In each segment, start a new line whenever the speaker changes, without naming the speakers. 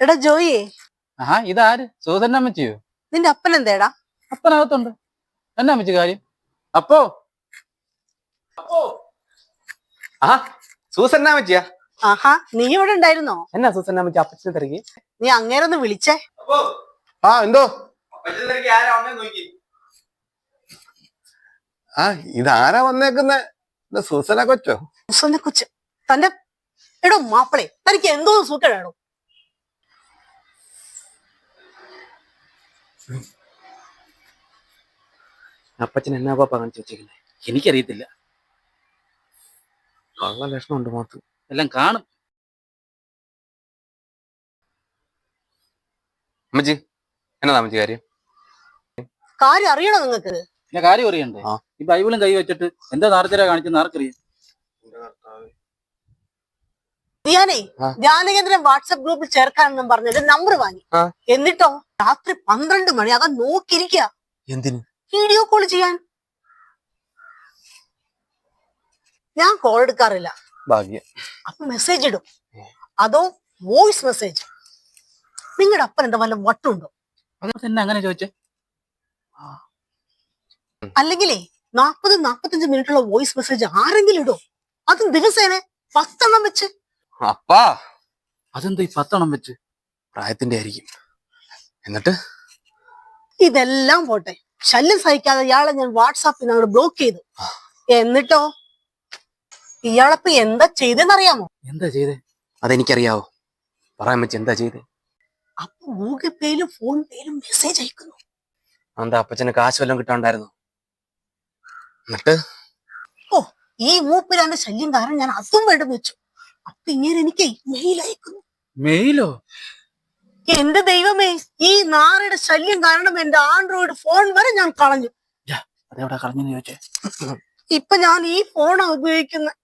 എടാ ജോയിയെ,
ഇതാര്? സൂസന്ന അമ്മച്ചിയോ?
നിന്റെ അപ്പൻ എന്തേടാ?
അപ്പനകത്തുണ്ട്. എന്നാ അമ്മച്ചി കാര്യം? അപ്പോ
സൂസന്ന അമ്മച്ചിയാ?
ആഹാ, നീ ഇവിടെ ഉണ്ടായിരുന്നോ?
എന്നാ സൂസന്ന അമ്മച്ചി അപ്പച്ചനെ തിരക്കി?
നീ അങ്ങേരൊന്ന് വിളിച്ചേ.
എന്തോ ഇതാരാ വന്നേക്കുന്നെ? സൂസന കൊച്ചോ?
സൂസനെ കൊച്ച് തന്റെ എടോ മാപ്പിളെ, തനിക്ക് എന്തോ സൂക്കേടാണോ?
അപ്പച്ചൻ എന്നാ പാപ്പ കാണിച്ചു വെച്ചേക്കുന്നേ?
എനിക്കറിയത്തില്ല.
കള്ള ലക്ഷണമുണ്ട് മാത്തു.
എല്ലാം കാണും.
അമ്മച്ചി എന്നതാ അമ്മച്ചി കാര്യം?
കാര്യം അറിയണോ നിങ്ങക്ക്?
പിന്നെ കാര്യം അറിയണ്ടേ? ഈ ബൈബിളും കൈ വെച്ചിട്ട് എന്താ നാർച്ചര കാണിച്ചെന്ന് ആർക്കറിയാം?
ഞാനേ ധ്യാനകേന്ദ്രം വാട്സപ്പ് ഗ്രൂപ്പിൽ ചേർക്കാനെന്നും പറഞ്ഞത് നമ്പർ വാങ്ങി. എന്നിട്ടോ രാത്രി 12 മണി അതാ നോക്കിയിരിക്കുക.
എന്തിന്?
വീഡിയോ കോൾ ചെയ്യാൻ. ഞാൻ കോൾ എടുക്കാറില്ല.
ഭാഗ്യം.
അപ്പൊ മെസ്സേജ് ഇടും. അതോ വോയിസ് മെസ്സേജ്. നിങ്ങളുടെ അപ്പൻ എന്താ വല്ല വട്ടുണ്ടോ?
അങ്ങനെ ചോദിച്ചേ?
അല്ലെങ്കിലേ 40-45 മിനിറ്റുള്ള വോയിസ് മെസ്സേജ് ആരെങ്കിലും ഇടോ? അതും ദിവസേന 10 എണ്ണം വെച്ച്.
അപ്പാ
അതെന്താ ഈ 10 എണ്ണം വെച്ച്?
പ്രായത്തിന്റെ ആയിരിക്കും. എന്നിട്ട്
ഇതെല്ലാം പോട്ടെ, ശല്യം സഹിക്കാതെ ഇയാളെ ഞാൻ വാട്സാപ്പിൽ അങ്ങോട്ട് ബ്ലോക്ക് ചെയ്തു. എന്നിട്ടോ ഇയാളപ്പ എന്താ ചെയ്തെന്നറിയാമോ?
എന്താ ചെയ്തേ?
അതെനിക്കറിയാവോ, പറയാൻ വെച്ച് എന്താ ചെയ്തേ?
അപ്പൊ ഗൂഗിൾ പേയിലും ഫോൺ പേയിലും മെസ്സേജ് അയക്കുന്നു.
എന്താ അപ്പച്ചന് കാശ് വല്ലതും കിട്ടാണ്ടായിരുന്നു? എന്നിട്ട്
ഈ മൂപ്പിലാന്റെ ശല്യം കാരണം ഞാൻ അതും വേണ്ടെന്ന് വെച്ചു. അപ്പൊ ഇങ്ങനെ എനിക്ക് മെയിൽ അയക്കുന്നു.
മെയിലോ?
എന്റെ ദൈവമേ, ഈ നാറയുടെ ശല്യം കാരണം എന്റെ ആൻഡ്രോയിഡ് ഫോൺ വരെ ഞാൻ കളഞ്ഞു.
അതെവിടെ കളഞ്ഞെന്ന് ചോദിച്ചേ?
ഇപ്പൊ ഞാൻ ഈ ഫോണാ ഉപയോഗിക്കുന്നത്.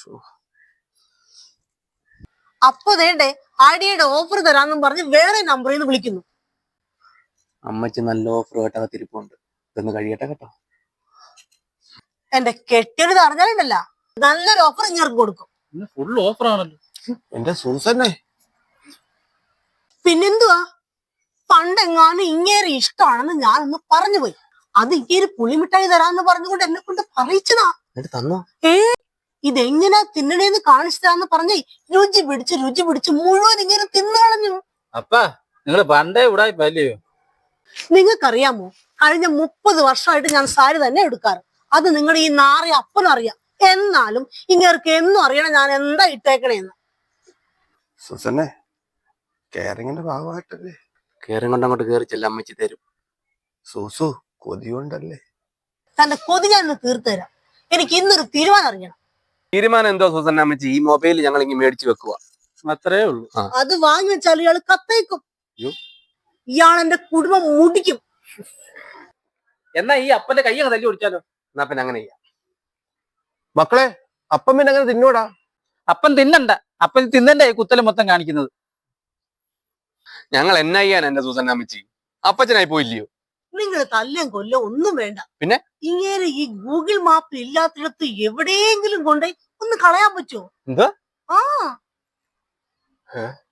അപ്പൊ വേണ്ടേ ഐഡിയയുടെ ഓഫർ തരാന്നും പറഞ്ഞ് വേറെ നമ്പറിൽ നിന്ന് വിളിക്കുന്നു.
അമ്മച്ചി നല്ല ഓഫർ കേട്ടകത്തിരിപ്പുണ്ട്, ഇതൊന്ന് കഴിയട്ടെ കേട്ടോ.
എന്റെ കെട്ടിയത് അറിഞ്ഞാലുണ്ടല്ല, നല്ലൊരു ഓഫർ ഇങ്ങർക്ക് കൊടുക്കും.
ഫുൾ ഓഫർ ആണല്ലോ
എന്റെ സൂസന്നെ.
പിന്നെന്തുവാ, പണ്ടെങ്ങാനും ഇങ്ങേരെ ഇഷ്ടമാണെന്ന് ഞാനൊന്ന് പറഞ്ഞു പോയി. അത് ഇങ്ങേര് പുളിമിഠായി തരാന്ന് പറഞ്ഞുകൊണ്ട് എന്നെ കൊണ്ട് പറയിച്ചതാ.
തന്നോ?
ഇതെങ്ങനാ തിന്നണേന്ന് കാണിച്ചതാന്ന് പറഞ്ഞേ രുചി പിടിച്ച് മുഴുവൻ ഇങ്ങനെ തിന്നു കളഞ്ഞു.
അപ്പാ നിങ്ങള് പണ്ടേ ഉടായിപ്പല്ലയോ?
നിങ്ങൾക്കറിയാമോ, കഴിഞ്ഞ 30 വർഷമായിട്ട് ഞാൻ സാരി തന്നെ എടുക്കാറ്. അത് നിങ്ങളുടെ ഈ നാറി അപ്പനറിയാം. എന്നാലും ഇങ്ങേർക്ക് എന്നും അറിയണം ഞാൻ എന്താ ഇട്ടേക്കണേന്ന്.
സുസന്നെ, കെയറിങ്ങിന്റെ ഭാഗമായിട്ടല്ലേ? കെയറിങ് കൊണ്ട് അങ്ങോട്ട് കയറി ചെല്ല, അമ്മച്ചി തരും. സൂസു കൊതിയുണ്ടല്ലേ?
തന്റെ കൊതി ഞാൻ തീർത്തു തരാം. എനിക്ക് ഇന്നൊരു തീരുമാനം അറിയണം.
തീരുമാനം എന്തോ സൂസന്നെ അമ്മച്ചി? ഈ മൊബൈൽ ഞങ്ങൾ ഇങ്ങനെ മേടിച്ചു വെക്കുക,
അത്രേ ഉള്ളൂ.
അത് വാങ്ങി വെച്ചാൽ ഇയാൾ കത്തയക്കും. ഇയാൾ എന്റെ കുടുംബം മുടിക്കും.
എന്നാ ഈ അപ്പന്റെ കൈ അങ്ങ് തല്ലി ഓടിച്ചാലോ?
എന്നാ പിന്നെ അങ്ങനെ ചെയ്യാം. മക്കളെ, അപ്പം പിന്നെ അങ്ങനെ തിന്നൂടാ.
അപ്പൻ തിന്നണ്ട, അപ്പൻ തിന്നന്റെ കുത്തല് മൊത്തം കാണിക്കുന്നത്.
ഞങ്ങൾ എന്നാ ചെയ്യാൻ എന്റെ സൂസന്ന അമ്മച്ചി? അപ്പച്ചനായി പോയില്ലയോ?
നിങ്ങൾ തല്ലും കൊല്ലോ ഒന്നും വേണ്ട.
പിന്നെ
ഇങ്ങനെ ഈ ഗൂഗിൾ മാപ്പ് ഇല്ലാത്തിടത്ത് എവിടെയെങ്കിലും കൊണ്ടേ ഒന്ന് കളയാൻ പറ്റുമോ?
എന്താ?